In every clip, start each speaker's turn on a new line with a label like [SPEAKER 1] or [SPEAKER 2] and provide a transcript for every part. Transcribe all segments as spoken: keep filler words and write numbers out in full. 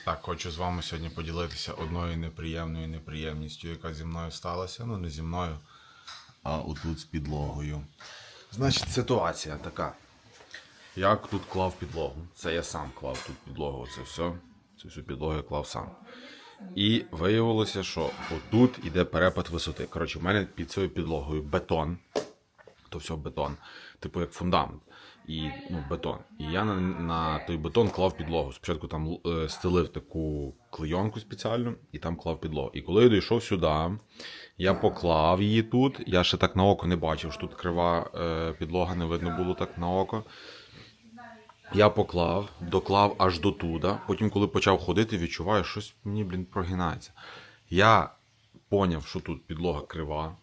[SPEAKER 1] Так, хочу з вами сьогодні поділитися одною неприємною неприємністю, яка зі мною сталася. Ну, не зі мною, а отут з підлогою. Значить, ситуація така. Я тут клав підлогу. Це я сам клав тут підлогу. Оце все. Цю всю підлогу я клав сам. І виявилося, що отут іде перепад висоти. Коротше, в мене під цією підлогою бетон. То все бетон. Типу як фундамент. І, ну, бетон. І я на, на той бетон клав підлогу. Спочатку там е, стелив таку клейонку спеціальну і там клав підлогу. І коли я дійшов сюди, я поклав її тут. Я ще так на око не бачив, що тут крива е, підлога, не видно було так на око. Я поклав, доклав аж до туди. Потім, коли почав ходити, відчуваю, що щось мені, блін, прогинається. Я поняв, що тут підлога крива.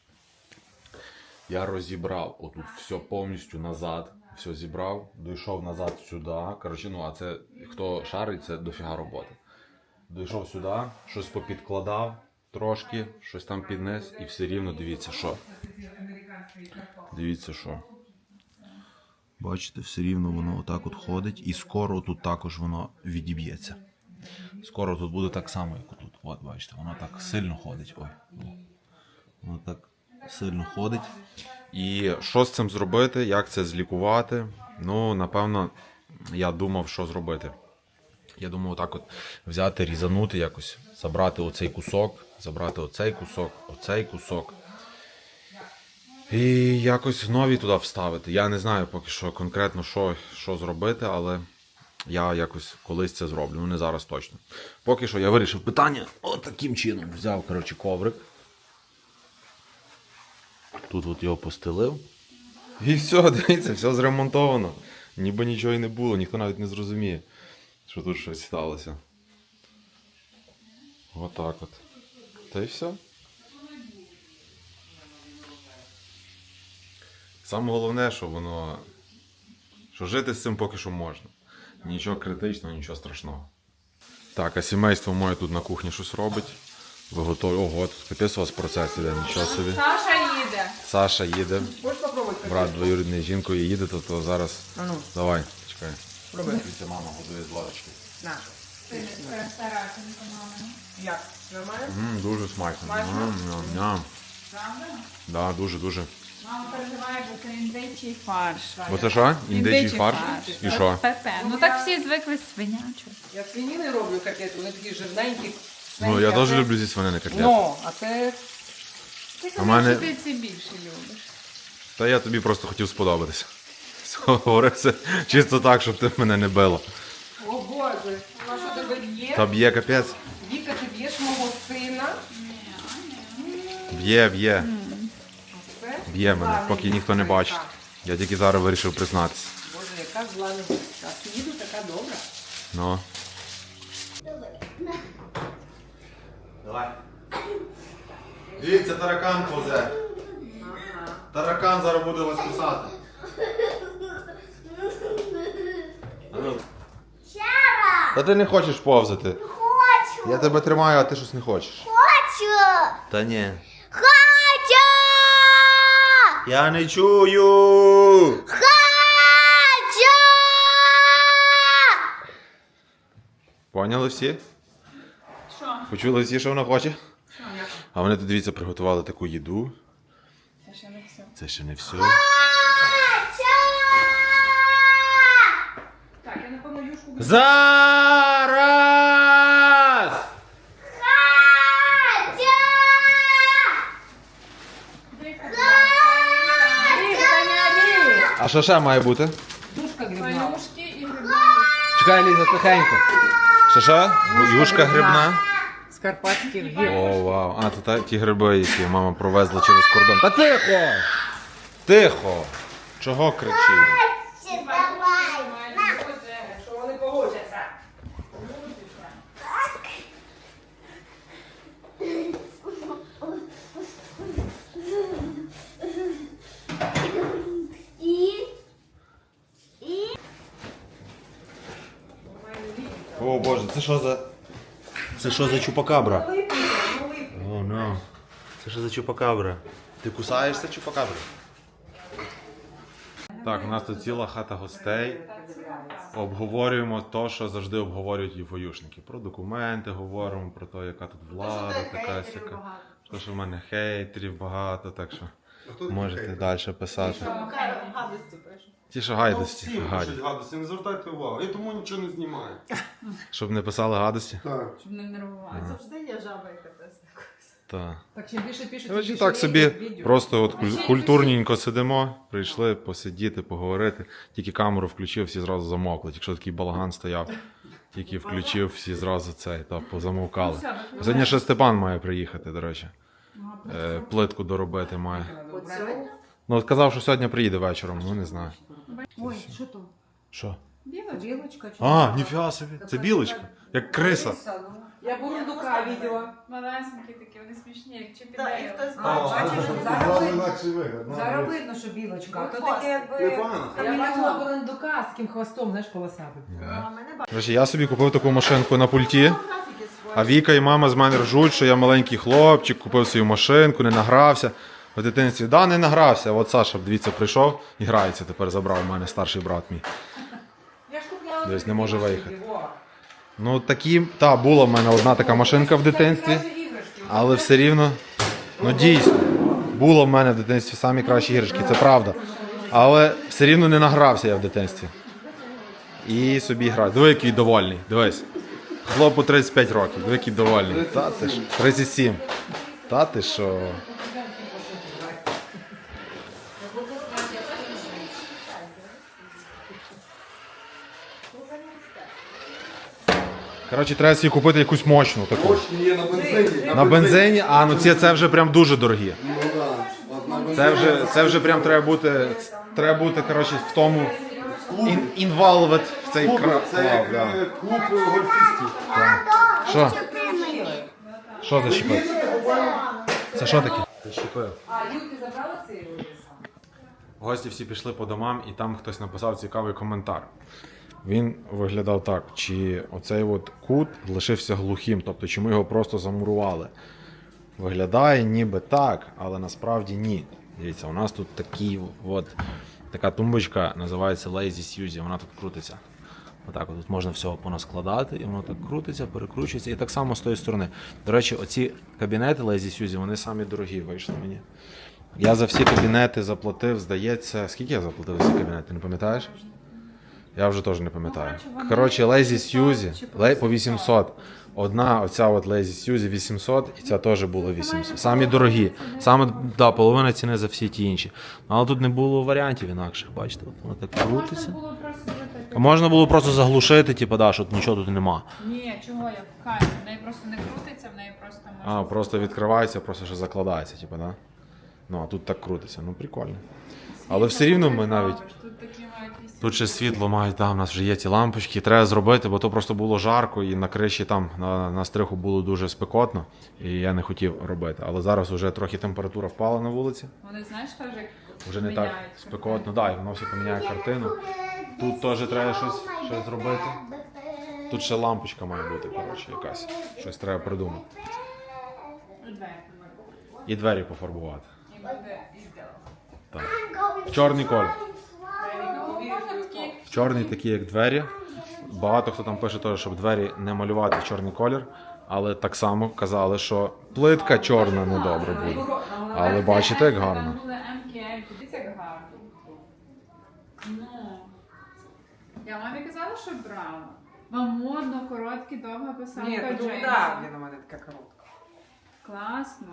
[SPEAKER 1] Я розібрав отут все повністю назад. Все зібрав, дійшов назад сюди. Коротше, ну, а це, хто шарить, це дофіга роботи. Дійшов сюди, щось попідкладав трошки, щось там піднес і все рівно дивіться, що. Дивіться, що. Бачите, все рівно воно отак от ходить і скоро тут також воно відіб'ється. Скоро тут буде так само, як тут. От, бачите, воно так сильно ходить. Ой, воно так сильно ходить. І що з цим зробити, як це злікувати? Ну, напевно, я думав, що зробити. Я думав, отак от взяти, різанути якось, забрати оцей кусок, забрати оцей кусок, оцей кусок. І якось нові туди вставити. Я не знаю поки що конкретно, що, що зробити, але я якось колись це зроблю. Ну, не зараз точно. Поки що я вирішив питання от таким чином. Взяв, коротше, коврик. Тут от його постелив. І все, дивіться, все зремонтовано. Ніби нічого і не було, ніхто навіть не зрозуміє, що тут щось сталося. Отак от. Та й все. Саме головне, що воно... Що жити з цим поки що можна. Нічого критичного, нічого страшного. Так, а сімейство моє тут на кухні щось робить. Ви готові? Ого, тут капець у вас процес іде, нічого собі.
[SPEAKER 2] Саша їде.
[SPEAKER 1] Саша їде.
[SPEAKER 2] Хочеш попробувати?
[SPEAKER 1] Брат двоюрідний жінкою їде, то, то зараз...
[SPEAKER 2] А ну.
[SPEAKER 1] Давай, чекай.
[SPEAKER 2] Пробуй.
[SPEAKER 1] Дивіться, мама готує з ложечки.
[SPEAKER 2] На. Як? Нормально?
[SPEAKER 1] Ммм, дуже смачно.
[SPEAKER 2] Смачно?
[SPEAKER 1] Ням-ням-ням.
[SPEAKER 2] Правда?
[SPEAKER 1] Да, дуже-дуже.
[SPEAKER 2] Мама переживає, бо це індичий фарш.
[SPEAKER 1] Оце що? Індичий фарш? І що?
[SPEAKER 3] Пепе. Ну так всі звикли свинячу.
[SPEAKER 2] Я свинини роблю котлети, вони такі жирненькі.
[SPEAKER 1] Ну, я теж люблю зі свинини котлети.
[SPEAKER 2] Ну, а це...
[SPEAKER 3] Ти
[SPEAKER 1] А
[SPEAKER 3] кажеш,
[SPEAKER 1] мене-
[SPEAKER 3] що ти ці більше любиш.
[SPEAKER 1] Та я тобі просто хотів сподобатися. Говорив це чисто так, щоб ти мене не била.
[SPEAKER 2] О Боже, а що тебе б'є?
[SPEAKER 1] Та б'є капець.
[SPEAKER 2] Віка, ти б'єш мого сина?
[SPEAKER 1] Б'є, б'є.
[SPEAKER 2] Це?
[SPEAKER 1] Б'є мене,
[SPEAKER 2] Зла
[SPEAKER 1] поки ніхто не
[SPEAKER 2] невістка.
[SPEAKER 1] бачить. Я тільки зараз вирішив признатися.
[SPEAKER 2] Боже, яка зла невістка. А ти їду така добра.
[SPEAKER 1] Ну. Давай. Дивіться, таракан повзе. Таракан зараз буде вас кусати. Та ти не хочеш повзати.
[SPEAKER 4] Хочу!
[SPEAKER 1] Я тебе тримаю, а ти щось не хочеш.
[SPEAKER 4] Хочу!
[SPEAKER 1] Та ні.
[SPEAKER 4] Хочу!
[SPEAKER 1] Я не чую.
[SPEAKER 4] Хочу!
[SPEAKER 1] Поняли всі?
[SPEAKER 3] Що?
[SPEAKER 1] Почули всі, що вона хоче?
[SPEAKER 3] Що, як?
[SPEAKER 1] А вони тут, дивіться, приготували таку їду.
[SPEAKER 3] Це ще не все.
[SPEAKER 1] Це ще не все.
[SPEAKER 4] Хочу!
[SPEAKER 2] Так, я напевно юшку буду.
[SPEAKER 1] Зараз!
[SPEAKER 4] Хочу!
[SPEAKER 1] А що ще має бути?
[SPEAKER 2] Юшка грибна.
[SPEAKER 3] Палюшки і гриби.
[SPEAKER 1] Чекай, Ліза, тихенько. Що що? Юшка грибна.
[SPEAKER 2] З карпатських гір.
[SPEAKER 1] О, вау. А, це та, ті гриби, які мама провезла через кордон. Та тихо! Тихо! Чого кричиш?
[SPEAKER 4] Давай!
[SPEAKER 2] Що вони погодяться.
[SPEAKER 4] І... І...
[SPEAKER 1] О, Боже, це що за... Це що за чупакабра?
[SPEAKER 2] Липника, ну липника.
[SPEAKER 1] О, ну. Це що за чупакабра? Ти кусаєшся чупакабра? Так, у нас тут ціла хата гостей. Обговорюємо те, що завжди обговорюють євоюшники. Про документи говоримо, про те, яка тут влада, така сяка. То, що в мене хейтерів багато, так що можете далі писати.
[SPEAKER 2] Гадості пишу.
[SPEAKER 1] Ті, що
[SPEAKER 5] Ну,
[SPEAKER 1] гайдості.
[SPEAKER 5] всім
[SPEAKER 1] гаді.
[SPEAKER 5] пишуть гадості, не звертайте увагу. Я тому нічого не знімаю.
[SPEAKER 1] Щоб не писали гадості?
[SPEAKER 5] Так.
[SPEAKER 3] Щоб не нервувати.
[SPEAKER 2] Завжди є жаба, яка писає.
[SPEAKER 1] Так.
[SPEAKER 2] Так, чим більше пишуть, тим
[SPEAKER 1] Коротше,
[SPEAKER 2] більше
[SPEAKER 1] так собі
[SPEAKER 2] відео.
[SPEAKER 1] просто от куль- культурненько сидимо, прийшли посидіти, поговорити. Тільки камеру включив, всі зразу замовкли. Якщо такий балаган стояв, тільки включив, всі зразу цей, та позамовкали. Сьогодні ще Степан має приїхати, до речі. Е, плитку доробити має.
[SPEAKER 2] От сьогодні?
[SPEAKER 1] Ну, от казав, що сьогодні приїде вечором, ну не знаю.
[SPEAKER 2] Ой, що то?
[SPEAKER 1] Що?
[SPEAKER 3] Білочка.
[SPEAKER 2] Білочка? чи
[SPEAKER 1] А,
[SPEAKER 2] що?
[SPEAKER 1] ніфіга собі, це білочка, як криса.
[SPEAKER 2] Я бурундука видела.
[SPEAKER 3] Малесенькі такі, вони смішні, як чіпі.
[SPEAKER 2] Так, і хтось
[SPEAKER 5] А,
[SPEAKER 2] бачив.
[SPEAKER 5] а,
[SPEAKER 2] що
[SPEAKER 5] а,
[SPEAKER 2] зараз
[SPEAKER 5] а,
[SPEAKER 2] видно.
[SPEAKER 5] інакший вигляд. ну,
[SPEAKER 6] Зараз
[SPEAKER 5] ну,
[SPEAKER 6] видно, що білочка.
[SPEAKER 2] Ну,
[SPEAKER 6] То таке якби.
[SPEAKER 5] Непогано.
[SPEAKER 2] Я бачила бурундука з ким хвостом, знаєш, полосатим.
[SPEAKER 6] А мене
[SPEAKER 1] Коротше, я собі купив таку машинку на пульті,
[SPEAKER 2] Графіки свої.
[SPEAKER 1] а Віка і мама з мене ржуть, що я маленький хлопчик, купив свою машинку, не награвся. В дитинстві, да, не награвся. От Саша, дивіться, прийшов і грається, тепер забрав у мене старший брат мій.
[SPEAKER 2] Я ж купляла.
[SPEAKER 1] Десь
[SPEAKER 2] такі
[SPEAKER 1] не може
[SPEAKER 2] машинки,
[SPEAKER 1] виїхати.
[SPEAKER 2] во.
[SPEAKER 1] Ну такі, та, була в мене одна така машинка в дитинстві,
[SPEAKER 2] Це найкращі іграшки.
[SPEAKER 1] але все рівно, ну дійсно, було в мене в дитинстві самі кращі іграшки, це правда. Але все рівно не награвся я в дитинстві. І собі граю. Диви, який довольний, дивись. Хлопу тридцять п'ять років, диви, який довольний. Та ти ж, тридцять сім. Та ти що? Коротше, треба собі купити якусь мощну таку.
[SPEAKER 5] Мощні є на бензині.
[SPEAKER 1] На бензині, а ну ці це вже прям дуже дорогі.
[SPEAKER 5] Ну да. От на бензині.
[SPEAKER 1] Це вже, це вже прям треба бути, треба бути, коротше, в тому ін, involved в цей
[SPEAKER 5] Клуб,
[SPEAKER 1] кра-
[SPEAKER 5] це як
[SPEAKER 1] клуб, да.
[SPEAKER 5] е, клуб гольфістів.
[SPEAKER 1] Що? Що защіпив? Це що таке? Защіпив.
[SPEAKER 2] А, Юльки забрала цей ліс?
[SPEAKER 1] Гості всі пішли по домам, і там хтось написав цікавий коментар. Він виглядав так, чи оцей от кут лишився глухим, тобто чи ми його просто замурували. Виглядає ніби так, але насправді ні. Дивіться, у нас тут такий от, така тумбочка, називається Lazy Suzy, вона тут крутиться. Отак, от тут можна всього понаскладати, і воно так крутиться, перекручується. І так само з тої сторони. До речі, оці кабінети Lazy Suzy, вони самі дорогі вийшли мені. Я за всі кабінети заплатив, здається, скільки я заплатив за ці кабінети, не пам'ятаєш? Я вже теж не пам'ятаю. Коротше, Lazy Suzy лей- по вісімсот. Одна оця от Lazy Suzy вісімсот, і ця теж була вісімсот. Самі дорогі. Саме, да, половина ціни за всі ті інші. Але тут не було варіантів інакших, бачите, от воно так
[SPEAKER 3] Можна
[SPEAKER 1] крутиться.
[SPEAKER 3] було просто зробити.
[SPEAKER 1] А можна було просто заглушити, типу, да, що нічого тут нема.
[SPEAKER 3] Ні, чого я в камері? В неї просто не крутиться, в неї просто можна.
[SPEAKER 1] А, просто відкривається, просто ще закладається, типу, да? Ну, а тут так крутиться, ну прикольно. Але все рівно ми навіть.
[SPEAKER 3] Тут такі мають якісь-
[SPEAKER 1] Тут ще світло мають, там у нас вже є ті лампочки, треба зробити, бо то просто було жарко і на криші там на, на стриху було дуже спекотно, і я не хотів робити. Але зараз вже трохи температура впала на вулиці,
[SPEAKER 3] Вони, знаєш, теж як
[SPEAKER 1] вже не так
[SPEAKER 3] міняють
[SPEAKER 1] спекотно, да, і воно все поміняє картину. Тут теж треба щось, щось зробити. Тут ще лампочка має бути, коротше, якась. Щось треба придумати.
[SPEAKER 3] двері.
[SPEAKER 1] І двері пофарбувати.
[SPEAKER 3] І буде і зробити.
[SPEAKER 1] Так. Чорний колір.
[SPEAKER 3] Ну, можна такі.
[SPEAKER 1] Чорний такі, як двері. Багато хто там пише теж, щоб двері не малювати в чорний колір. Але так само казали, що плитка чорна недобре буде. Але бачите, як гарно.
[SPEAKER 3] Там були ем ке ель, дивіться, як гарно. Ну. Я мамі казала, що брала. Вам модно, короткі, довга писалка
[SPEAKER 2] Ні, то
[SPEAKER 3] джинсів.
[SPEAKER 2] да, блін, у мене така коротка.
[SPEAKER 3] Класно.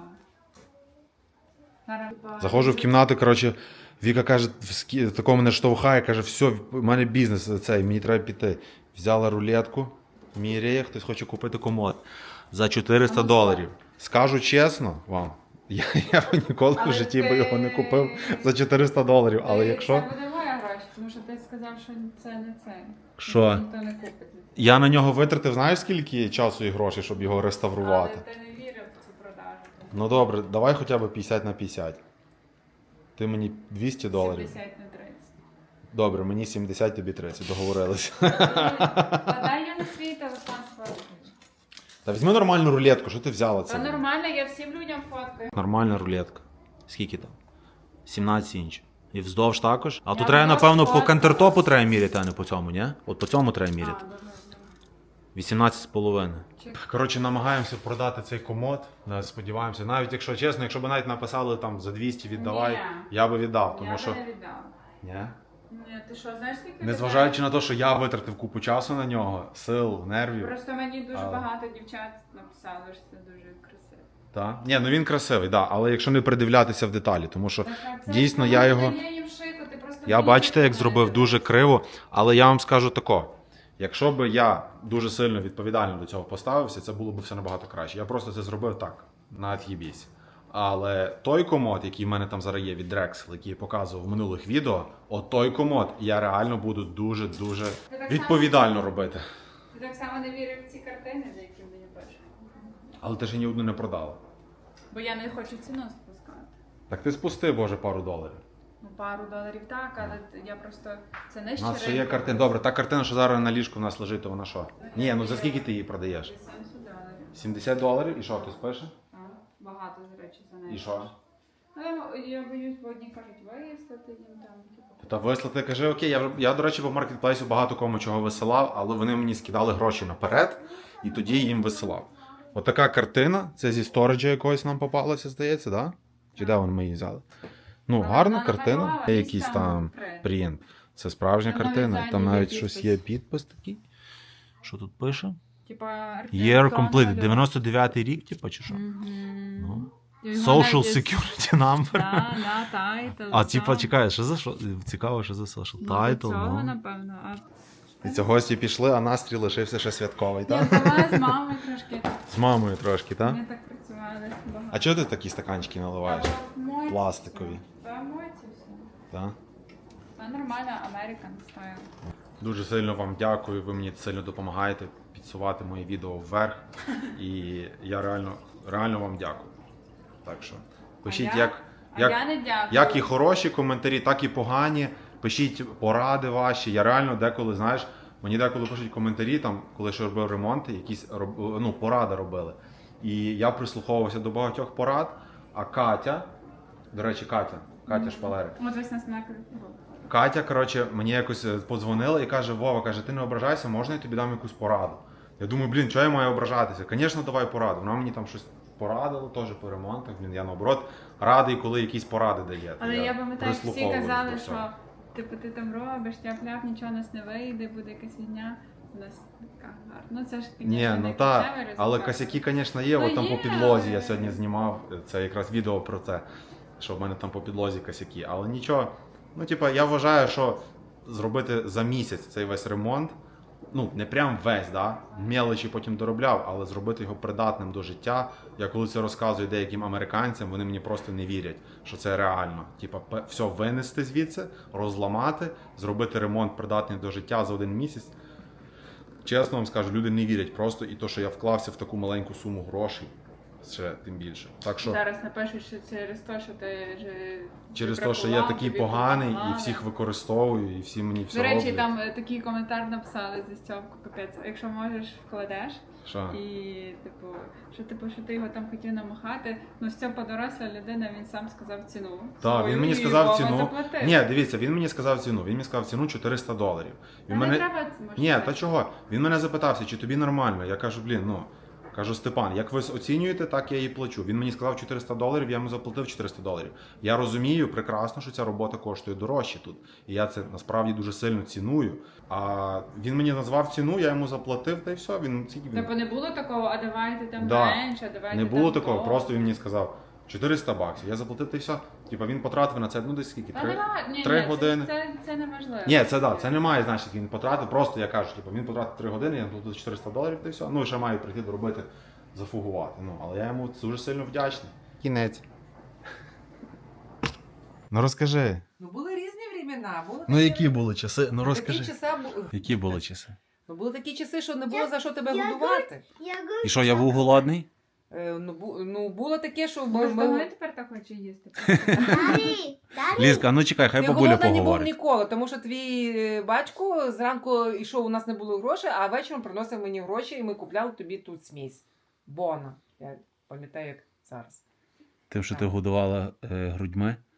[SPEAKER 3] Зараз-
[SPEAKER 1] Заходжу в кімнату, коротше, Віка каже, в скі- такого мене штовхає, каже, все, в мене бізнес цей, мені треба піти. Взяла рулетку, міряє, хтось хоче купити комод за чотириста доларів. Скажу чесно вам, я, я б ніколи в
[SPEAKER 3] Але
[SPEAKER 1] житті би
[SPEAKER 3] ти-
[SPEAKER 1] його не купив за чотириста доларів, але
[SPEAKER 3] Ти-
[SPEAKER 1] якщо...
[SPEAKER 3] Це буде моя гроші, тому що ти сказав, що це не це.
[SPEAKER 1] Що?
[SPEAKER 3] Ніхто не купить.
[SPEAKER 1] Я на нього витратив, знаєш, скільки часу і грошей, щоб його реставрувати?
[SPEAKER 3] Але ти не вірив в цю продажу.
[SPEAKER 1] Ну добре, давай хоча б п'ятдесят на п'ятдесят. Ти мені двісті доларів.
[SPEAKER 3] сімдесят на тридцять.
[SPEAKER 1] Добре, мені сімдесят, тобі тридцять, договорилися.
[SPEAKER 3] Та дай я на свій телефон сфоткаю.
[SPEAKER 1] Та візьми нормальну рулетку, що ти взяла
[SPEAKER 3] Та
[SPEAKER 1] це?
[SPEAKER 3] нормально, я всім людям фоткаю.
[SPEAKER 1] Нормальна рулетка. Скільки там? сімнадцять інч. І вздовж також. А
[SPEAKER 2] Я
[SPEAKER 1] тут треба,
[SPEAKER 2] вздовж
[SPEAKER 1] напевно, по
[SPEAKER 2] просто-
[SPEAKER 1] кантертопу треба міряти, а не по цьому, ні? От по цьому треба
[SPEAKER 3] А,
[SPEAKER 1] міряти.
[SPEAKER 3] добре, добре.
[SPEAKER 1] вісімнадцять з половиною.
[SPEAKER 3] Чи-
[SPEAKER 1] Коротше, намагаємося продати цей комод. Е, Сподіваємося. Навіть якщо чесно, якщо б навіть написали там за двісті віддавай,
[SPEAKER 3] Ні.
[SPEAKER 1] я би віддав. Тому
[SPEAKER 3] Я
[SPEAKER 1] що.
[SPEAKER 3] би не віддала.
[SPEAKER 1] Ні?
[SPEAKER 3] Ні, ти що, знаєш, скільки
[SPEAKER 1] Незважаючи на те, що я витратив купу часу на нього, сил, нервів.
[SPEAKER 3] Просто мені дуже
[SPEAKER 1] Але-
[SPEAKER 3] багато дівчат написали, що це дуже красиво.
[SPEAKER 1] Та? Ні, ну він красивий, да, але якщо не придивлятися в деталі, тому що
[SPEAKER 3] Так, так, це
[SPEAKER 1] дійсно
[SPEAKER 3] ж
[SPEAKER 1] я
[SPEAKER 3] воно
[SPEAKER 1] його.
[SPEAKER 3] не дає їм шити, ти просто
[SPEAKER 1] Я
[SPEAKER 3] мені
[SPEAKER 1] бачите, як
[SPEAKER 3] так
[SPEAKER 1] зробив
[SPEAKER 3] не
[SPEAKER 1] дуже криво, але я вам скажу тако. Якщо б я дуже сильно відповідально до цього поставився, це було б все набагато краще. Я просто це зробив так, на от'їбісь. Але той комод, який в мене там зараз є від Drexel, який я показував в минулих відео, от той комод я реально буду дуже-дуже
[SPEAKER 3] так
[SPEAKER 1] відповідально
[SPEAKER 3] само-
[SPEAKER 1] робити.
[SPEAKER 3] Ти так само не вірив в ці картини, за які мені пишуть.
[SPEAKER 1] Але ти ж ні одну не продала.
[SPEAKER 3] Бо я не хочу ціну спускати.
[SPEAKER 1] Так ти спусти, боже, пару доларів.
[SPEAKER 3] Ну, пару доларів так, але я просто це не
[SPEAKER 1] У нас ще є картина. Добре, та картина, що зараз на ліжку в нас лежить, то вона що? Ні, ну за скільки ти її продаєш?
[SPEAKER 3] сімдесят доларів.
[SPEAKER 1] сімдесят доларів? І що, хтось пише?
[SPEAKER 3] А, багато, до речі, за неї.
[SPEAKER 1] І що?
[SPEAKER 3] Ну, я, я боюсь, бо одні кажуть, виїздити їм там, типу.
[SPEAKER 1] Та вислати, кажи, окей, я, вже- я, до речі, по маркетплейсу багато кому чого висилав, але вони мені скидали гроші наперед, і тоді їм висилав. Отака картина, це зі сториджа якогось нам попалося, здається, да? Чи де вони ми її взяли? Ну,
[SPEAKER 3] Вона-
[SPEAKER 1] гарна
[SPEAKER 3] вона
[SPEAKER 1] картина,
[SPEAKER 3] намалювала
[SPEAKER 1] є
[SPEAKER 3] якийсь
[SPEAKER 1] якийсь
[SPEAKER 3] там
[SPEAKER 1] там
[SPEAKER 3] принт.
[SPEAKER 1] принт. Це справжня
[SPEAKER 3] Там навіть
[SPEAKER 1] картина,
[SPEAKER 3] ззаді
[SPEAKER 1] там
[SPEAKER 3] є
[SPEAKER 1] навіть
[SPEAKER 3] підпис.
[SPEAKER 1] щось є підпис такий. Що тут пише?
[SPEAKER 3] Типа, архітектор
[SPEAKER 1] Year completed,
[SPEAKER 3] малював.
[SPEAKER 1] дев'яносто дев'ятий рік, типу, чи що?
[SPEAKER 3] Мгм.
[SPEAKER 1] Ну.
[SPEAKER 3] Його
[SPEAKER 1] Social
[SPEAKER 3] навіть-
[SPEAKER 1] security number.
[SPEAKER 3] Да, да, тайтл.
[SPEAKER 1] А, типа,
[SPEAKER 3] там.
[SPEAKER 1] чекай, що за що? Цікаво, що за social
[SPEAKER 3] Ну, до
[SPEAKER 1] title,
[SPEAKER 3] цього,
[SPEAKER 1] ну.
[SPEAKER 3] напевно. А
[SPEAKER 1] Дивіться, гості пішли, а настрій лишився ще святковий,
[SPEAKER 3] я
[SPEAKER 1] так?
[SPEAKER 3] була з мамою трошки.
[SPEAKER 1] З мамою трошки, так?
[SPEAKER 3] Ми так працювали багато.
[SPEAKER 1] А чого ти такі стаканчики наливаєш?
[SPEAKER 3] Та, мойці
[SPEAKER 1] Пластикові.
[SPEAKER 3] все. Та мойці все.
[SPEAKER 1] Так?
[SPEAKER 3] Та нормально, American style.
[SPEAKER 1] Дуже сильно вам дякую, ви мені сильно допомагаєте підсувати мої відео вверх. І я реально, реально вам дякую. Так що пишіть,
[SPEAKER 3] А я-
[SPEAKER 1] як,
[SPEAKER 3] А
[SPEAKER 1] як,
[SPEAKER 3] я не дякую.
[SPEAKER 1] як і хороші коментарі, так і погані. Пишіть поради ваші. Я реально деколи, знаєш, мені деколи пишуть коментарі, там, коли ще робив ремонти, якісь роб- ну, поради робили. І я прислуховувався до багатьох порад, а Катя, до речі, Катя, Катя Шпалерик.
[SPEAKER 3] От весь нас накрив.
[SPEAKER 1] Катя, коротше, мені якось е, подзвонила і каже: Вова, каже, ти не ображайся, можна я тобі дам якусь пораду? Я думаю, блін, чого я маю ображатися? Звісно, давай пораду. Вона мені там щось порадила, теж по ремонтах. Блін, я наоборот радий, коли якісь поради дає.
[SPEAKER 3] Але я пам'ятаю, всі
[SPEAKER 1] прислуховуюсь
[SPEAKER 3] казали,
[SPEAKER 1] до
[SPEAKER 3] що
[SPEAKER 1] цього.
[SPEAKER 3] типу ти там робиш, тяп-ляп, нічого у нас не вийде, буде якась війня. У нас така гарна. Ну це ж, звісно,
[SPEAKER 1] Ні,
[SPEAKER 3] не
[SPEAKER 1] ну так,
[SPEAKER 3] кінцевий результат.
[SPEAKER 1] але косяки, звісно, є.
[SPEAKER 3] Ну,
[SPEAKER 1] От там
[SPEAKER 3] є,
[SPEAKER 1] по підлозі
[SPEAKER 3] але-
[SPEAKER 1] я сьогодні знімав. Це якраз відео про це, що в мене там по підлозі косяки. Але нічого. Ну, типа, я вважаю, що зробити за місяць цей весь ремонт, ну, не прям весь, да? Мелочі потім доробляв, але зробити його придатним до життя. Я коли це розказую деяким американцям, вони мені просто не вірять, що це реально. Типа, пе- все винести звідси, розламати, зробити ремонт придатний до життя за один місяць. Чесно вам скажу, люди не вірять просто, і то, що я вклався в таку маленьку суму грошей, ще тим більше. Так що
[SPEAKER 3] Зараз напишуть, що через те, що ти ж
[SPEAKER 1] через те,
[SPEAKER 3] бракував,
[SPEAKER 1] що я такий
[SPEAKER 3] тобі
[SPEAKER 1] поганий і
[SPEAKER 3] допомагали.
[SPEAKER 1] всіх використовую, і всі мені все
[SPEAKER 3] До речі,
[SPEAKER 1] роблять.
[SPEAKER 3] там е, такий коментар написали за Стьопку, капець. Якщо можеш, вкладеш.
[SPEAKER 1] Що?
[SPEAKER 3] І, типу, що типу, що ти його там хотів намахати. Ну, Стьопа доросла людина, він сам сказав ціну.
[SPEAKER 1] Так,
[SPEAKER 3] свою,
[SPEAKER 1] він мені
[SPEAKER 3] і
[SPEAKER 1] сказав
[SPEAKER 3] Вова
[SPEAKER 1] ціну.
[SPEAKER 3] заплатив.
[SPEAKER 1] Ні, дивіться, він мені сказав ціну. Він мені сказав ціну чотириста доларів.
[SPEAKER 3] Та
[SPEAKER 1] Він
[SPEAKER 3] не
[SPEAKER 1] мене...
[SPEAKER 3] треба, може,
[SPEAKER 1] Ні,
[SPEAKER 3] так.
[SPEAKER 1] та чого? Він мене запитався, чи тобі нормально. Я кажу, блін, ну. Кажу, Степан, як ви оцінюєте, так я її плачу. Він мені сказав чотириста доларів, я йому заплатив чотириста доларів. Я розумію прекрасно, що ця робота коштує дорожче тут. І я це насправді дуже сильно ціную. А він мені назвав ціну, я йому заплатив, та й все. Він скільки він?
[SPEAKER 3] Тобто не було такого, а давайте там
[SPEAKER 1] Да.
[SPEAKER 3] менше, а давайте
[SPEAKER 1] Не
[SPEAKER 3] там
[SPEAKER 1] було такого,
[SPEAKER 3] то.
[SPEAKER 1] просто він мені сказав чотириста баксів. Я заплатив, та й все. Типа він потратив на це, ну десь скільки?
[SPEAKER 3] Та
[SPEAKER 1] Три,
[SPEAKER 3] нема, ні,
[SPEAKER 1] три
[SPEAKER 3] ні,
[SPEAKER 1] години.
[SPEAKER 3] Це, це, це не важливо.
[SPEAKER 1] Ні, це да, це не має значення, він потратив. Просто я кажу, типу, він потратив три години, я заплатив чотириста доларів, та й все. Ну, і ще маю прийти доробити, зафугувати. Ну, але я йому дуже сильно вдячний. Кінець. Ну розкажи.
[SPEAKER 2] Ну були різні времена. Були
[SPEAKER 1] Ну
[SPEAKER 2] такі-
[SPEAKER 1] які були часи? Ну
[SPEAKER 2] такі
[SPEAKER 1] розкажи.
[SPEAKER 2] часи, бу-
[SPEAKER 1] Які були часи?
[SPEAKER 2] ну, були такі часи, що не було за що тебе
[SPEAKER 4] я
[SPEAKER 2] годувати.
[SPEAKER 4] Я
[SPEAKER 1] І що, я був голодний?
[SPEAKER 2] Е, ну, бу, ну було таке, що ми,
[SPEAKER 3] Може, того
[SPEAKER 2] ми...
[SPEAKER 3] я тепер так хочу їсти.
[SPEAKER 4] Дарі, Дарі.
[SPEAKER 1] Лізка, ну чекай, хай
[SPEAKER 2] Ти
[SPEAKER 1] бабуля
[SPEAKER 2] голодна не був
[SPEAKER 1] поговорить.
[SPEAKER 2] ніколи, тому що твій е, батько зранку йшов, у нас не було грошей, а вечором приносив мені гроші, і ми купляли тобі тут смісь. Бона. Я пам'ятаю, як зараз.
[SPEAKER 1] Тим, що ти годувала е, грудьми.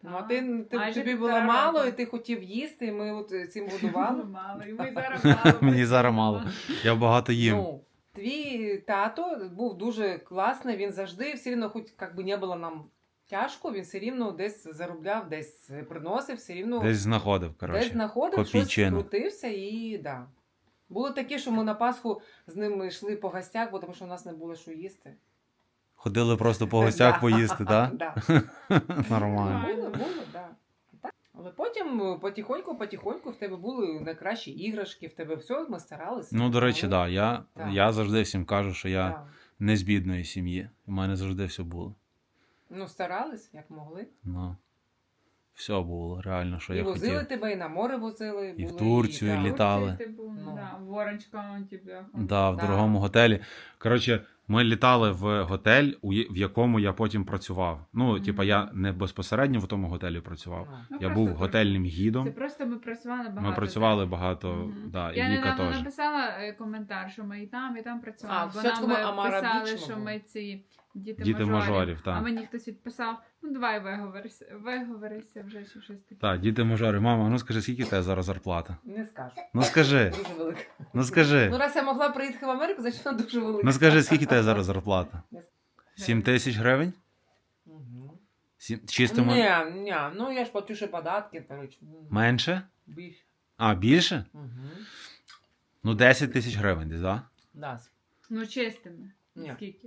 [SPEAKER 2] Ну, а ти, ти
[SPEAKER 3] Майже
[SPEAKER 2] тобі було
[SPEAKER 3] півтора
[SPEAKER 2] мало,
[SPEAKER 3] року.
[SPEAKER 2] і ти хотів їсти, і ми от цим годували.
[SPEAKER 3] Мало, і ми зараз мало.
[SPEAKER 1] Мені зараз мало. Я багато їм.
[SPEAKER 2] Ну, твій тато був дуже класний, він завжди все рівно, хоч як би не було нам тяжко, він все рівно десь заробляв, десь приносив, все рівно
[SPEAKER 1] Десь знаходив,
[SPEAKER 2] десь
[SPEAKER 1] коротше.
[SPEAKER 2] знаходив, щось
[SPEAKER 1] копійчину.
[SPEAKER 2] крутився і да. Було таке, що ми на Пасху з ними йшли по гостях, бо тому що у нас не було що їсти.
[SPEAKER 1] Ходили просто по гостях
[SPEAKER 2] Да.
[SPEAKER 1] поїсти, так?
[SPEAKER 2] Да.
[SPEAKER 1] Нормально.
[SPEAKER 2] Було, було, да. Так. Але потім потихоньку, потихоньку в тебе були найкращі іграшки, в тебе все, ми старалися.
[SPEAKER 1] Ну, до речі, так. Да. Я,
[SPEAKER 2] Так.
[SPEAKER 1] я завжди всім кажу, що я
[SPEAKER 2] Да.
[SPEAKER 1] не з бідної сім'ї. У мене завжди все було.
[SPEAKER 2] Ну, старались, як могли.
[SPEAKER 1] Ну, все було, реально, що
[SPEAKER 2] і
[SPEAKER 1] я
[SPEAKER 2] возили
[SPEAKER 1] хотів.
[SPEAKER 2] тебе, і на море возили.
[SPEAKER 1] І в
[SPEAKER 2] були,
[SPEAKER 1] Турцію, і
[SPEAKER 2] да.
[SPEAKER 1] літ- літали.
[SPEAKER 3] Типу,
[SPEAKER 2] Ну.
[SPEAKER 3] да, в Orange County, бляха.
[SPEAKER 1] Да, в
[SPEAKER 2] Да.
[SPEAKER 1] дорогому готелі. Коротше, ми літали в готель, у є- в якому я потім працював. Ну,
[SPEAKER 3] Мгм.
[SPEAKER 1] типа, я не безпосередньо в тому готелі працював.
[SPEAKER 2] Ну.
[SPEAKER 3] Ну,
[SPEAKER 1] Я
[SPEAKER 3] просто
[SPEAKER 1] був
[SPEAKER 3] так.
[SPEAKER 1] готельним
[SPEAKER 3] Це
[SPEAKER 1] гідом.
[SPEAKER 3] просто ми працювали багато.
[SPEAKER 1] Ми працювали
[SPEAKER 3] так.
[SPEAKER 1] багато,
[SPEAKER 3] Мгм.
[SPEAKER 1] да, і
[SPEAKER 3] Я
[SPEAKER 1] Віка
[SPEAKER 3] недавно
[SPEAKER 1] теж.
[SPEAKER 3] написала е, коментар, що ми і там, і там
[SPEAKER 2] А,
[SPEAKER 3] працювали.
[SPEAKER 2] в
[SPEAKER 3] Бо
[SPEAKER 2] Святському
[SPEAKER 3] нам е,
[SPEAKER 2] Амара
[SPEAKER 3] писали,
[SPEAKER 2] Біч ми
[SPEAKER 3] що
[SPEAKER 2] були.
[SPEAKER 3] ми ці діти,
[SPEAKER 1] Діти
[SPEAKER 3] мажорів.
[SPEAKER 1] мажорів, так.
[SPEAKER 3] А мені хтось відписав, ну давай виговорися, виговорися вже чи щось таке.
[SPEAKER 1] Так, діти мажори. Мама, ну скажи, скільки в тебе зараз зарплата?
[SPEAKER 2] Не скажу.
[SPEAKER 1] Ну скажи,
[SPEAKER 2] Дуже велика.
[SPEAKER 1] ну
[SPEAKER 2] Ну,
[SPEAKER 1] скажи.
[SPEAKER 2] раз я могла приїхати в Америку, значить вона дуже велика.
[SPEAKER 1] Ну скажи, скільки в тебе зараз зарплата? Сім тисяч гривень?
[SPEAKER 2] Угу.
[SPEAKER 1] Сім... Чистимо
[SPEAKER 2] Ні, ні, ну я ж плачу ще податки, коротше.
[SPEAKER 1] менше?
[SPEAKER 2] Більше.
[SPEAKER 1] А, більше?
[SPEAKER 2] Угу.
[SPEAKER 1] Ну, десять тисяч гривень десь, так?
[SPEAKER 2] Да.
[SPEAKER 3] Ну чистими.
[SPEAKER 2] Ні.
[SPEAKER 3] Скільки?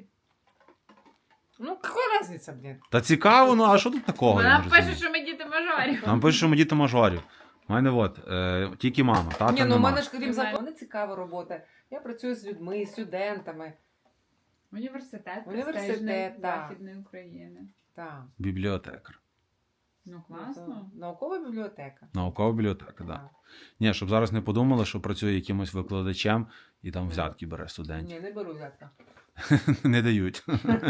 [SPEAKER 2] Ну, какая разница, блін?
[SPEAKER 1] Та цікаво, ну а що тут такого? я
[SPEAKER 3] Вона
[SPEAKER 1] не
[SPEAKER 3] пише,
[SPEAKER 1] розумію?
[SPEAKER 3] що ми діти мажорів.
[SPEAKER 1] Нам пишуть, що ми діти мажорів. У мене от, е, тільки мама, тата
[SPEAKER 2] Ні, ну в
[SPEAKER 1] нема.
[SPEAKER 2] мене ж крім
[SPEAKER 3] Немає.
[SPEAKER 2] закону, цікава робота. Я працюю з людьми, з студентами.
[SPEAKER 3] Університет,
[SPEAKER 2] Університет,
[SPEAKER 3] престижний
[SPEAKER 2] так.
[SPEAKER 3] Західної України.
[SPEAKER 2] Так.
[SPEAKER 1] Бібліотекар.
[SPEAKER 3] Ну класно.
[SPEAKER 2] Наукова бібліотека.
[SPEAKER 1] Наукова бібліотека, так. Да.
[SPEAKER 2] Да.
[SPEAKER 1] Ні, щоб зараз не подумали, що працює якимось викладачем і там взятки бере студентів.
[SPEAKER 2] Ні, не беру взятка.
[SPEAKER 1] Не дають.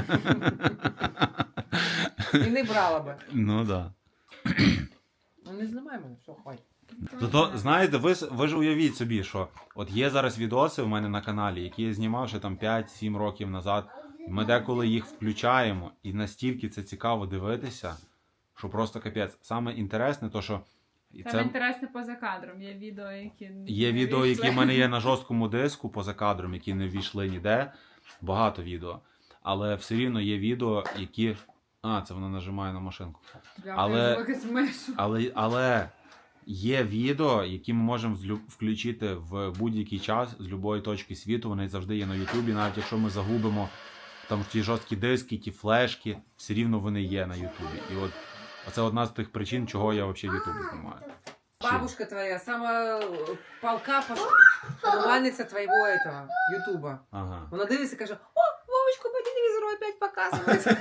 [SPEAKER 2] І не брала би.
[SPEAKER 1] Ну так.
[SPEAKER 2] Ну не знімай мене, все, хватить.
[SPEAKER 1] Зато, знаєте, ви, с- ви ж уявіть собі, що от є зараз відоси в мене на каналі, які я знімав ще там п'ять-сім років назад. І ми деколи їх включаємо, і настільки це цікаво дивитися, що просто капець. Саме інтересне, то що і
[SPEAKER 3] Саме
[SPEAKER 1] це
[SPEAKER 3] інтересне поза кадром. Є відео, які не
[SPEAKER 1] є відео, які
[SPEAKER 3] вийшли.
[SPEAKER 1] в мене є на жорсткому диску поза кадром, які не ввійшли ніде. Багато відео. Але все рівно є відео, які. А, це вона нажимає на машинку.
[SPEAKER 3] Бляха,
[SPEAKER 1] але-
[SPEAKER 3] я якось мишу.
[SPEAKER 1] Але, але є відео, які ми можемо злю- включити в будь-який час з будь-якої точки світу. Вони завжди є на Ютубі. Навіть якщо ми загубимо там ті жорсткі диски, ті флешки, все рівно вони є на Ютубі. І от це одна з тих причин, чого я взагалі Ютуб знімаю.
[SPEAKER 2] Бабушка твоя, сама э, полка поклонниця твоего этого, Ютуба.
[SPEAKER 1] Ага.
[SPEAKER 2] Вона дивиться і каже, о, Вовочку по телевізору опять показують.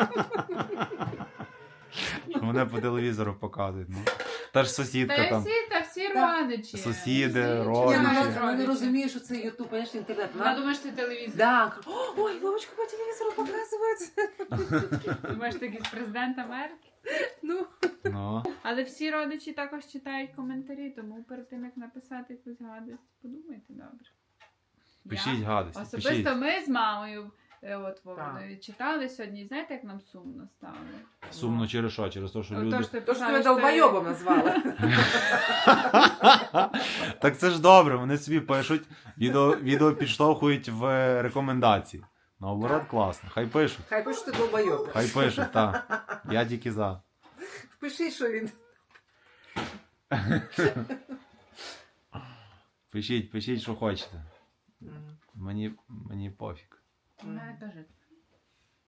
[SPEAKER 1] Мене по телевізору показують. Ну. Та ж
[SPEAKER 3] Та
[SPEAKER 1] сусідка
[SPEAKER 3] й
[SPEAKER 1] там.
[SPEAKER 3] всі, та всі
[SPEAKER 2] Так.
[SPEAKER 3] родичі.
[SPEAKER 1] Сусіди,
[SPEAKER 3] Всі
[SPEAKER 1] родичі.
[SPEAKER 2] Ні,
[SPEAKER 3] чоловіки,
[SPEAKER 2] вона, вона не
[SPEAKER 3] родичі.
[SPEAKER 2] розуміє, що це Ютуб, понимаєш, інтернет.
[SPEAKER 3] Вона
[SPEAKER 2] Вона,
[SPEAKER 3] думає, що це телевізор.
[SPEAKER 2] да, ой, Вовочку по телевізору показують.
[SPEAKER 3] Думаєш, ти якийсь президент Америки?
[SPEAKER 2] Ну,
[SPEAKER 1] Ну.
[SPEAKER 3] Але всі родичі також читають коментарі, тому перед тим, як написати якусь гадость, подумайте добре.
[SPEAKER 1] Пишіть
[SPEAKER 3] Я?
[SPEAKER 1] гадості.
[SPEAKER 3] Особисто
[SPEAKER 1] Пишіть.
[SPEAKER 3] ми з мамою е, от, Вовною
[SPEAKER 2] Так.
[SPEAKER 3] читали сьогодні, і знаєте, як нам сумно стало?
[SPEAKER 1] Сумно через що? Через те, що
[SPEAKER 3] Ото,
[SPEAKER 1] люди.
[SPEAKER 3] що ти
[SPEAKER 2] то, що
[SPEAKER 3] писала,
[SPEAKER 2] тебе
[SPEAKER 3] що ти-
[SPEAKER 2] долбойобом назвали.
[SPEAKER 1] Так це ж добре, вони собі пишуть, відео, відео підштовхують в рекомендації. Наоборот,
[SPEAKER 2] Так.
[SPEAKER 1] класно. Хай пишуть.
[SPEAKER 2] Хай пише, що ти долбойоб.
[SPEAKER 1] Хай пишуть, так. Я тільки за.
[SPEAKER 2] Впиши, що він.
[SPEAKER 1] Пишіть, пишіть, що хочете. Мені, мені пофіг.
[SPEAKER 3] Вона каже,